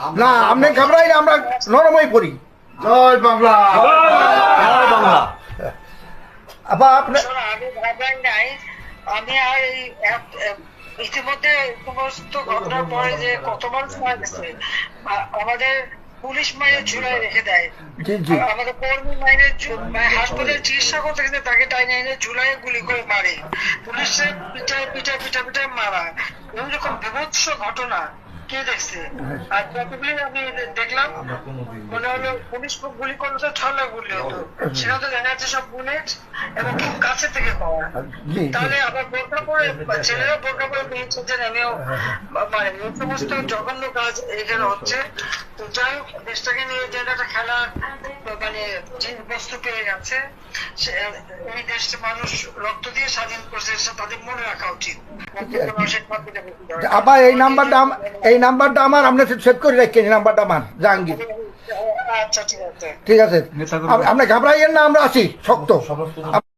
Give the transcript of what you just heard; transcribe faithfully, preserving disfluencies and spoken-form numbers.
না আপনি ঘাবড়াই না, আমরা নরমই পড়ি। জয় বাংলা। জয় বাংলা। আপা আপনি শোনো, আমি ভাবলাম নাই, আমি আর এই এক- এক- ইতিমধ্যে সমস্ত ঘটনার পরে যে কত মানুষ মারা গেছে, আ- আমাদের পুলিশ মায়ের ঝুলায় রেখে দেয়, জি জি আর আমাদের কর্মী মায়ের হাসপাতালে চিকিৎসা করতে গেলে তাকে টাইনে এনে ঝুলায় গুলি করে মারে, পুলিশের পিঠায় পিঠা পিঠা পিঠা মারা, এইরকম বিভৎস ঘটনা কে দেখছে? আর যতগুলি আমি দেখলাম মনে হলো পুলিশ গুলি করলে তো ছলা গুলি হতো, সেখানে তো দেখা যাচ্ছে সব বুলেট এবং খুব কাছে থেকে পাওয়া। জি জি তাহলে আবার বোরকা পরে ছেলেরা বোরকা পরে বেরিয়েছে যে আমিও মানে এই সমস্ত জঘন্য কাজ এখানে হচ্ছে। তো যাই হোক, দেশটাকে নিয়ে যে একটা খেলা মানে যে বস্তু পেয়ে গেছে, সে- এই দেশটা মানুষ রক্ত দিয়ে স্বাধীন করছে, সেটা তাদের মনে রাখা উচিত। আপা এই নাম্বারটা আম- এই নাম্বারটা আমার, আপনি সেভ করে রাখেন। এই নাম্বারটা আমার জাহাঙ্গীর। আচ্ছা ঠিক আছে। ঠিক আছে, আপ- আপনি ঘাবড়াইয়েন না, আমরা আছি শক্ত।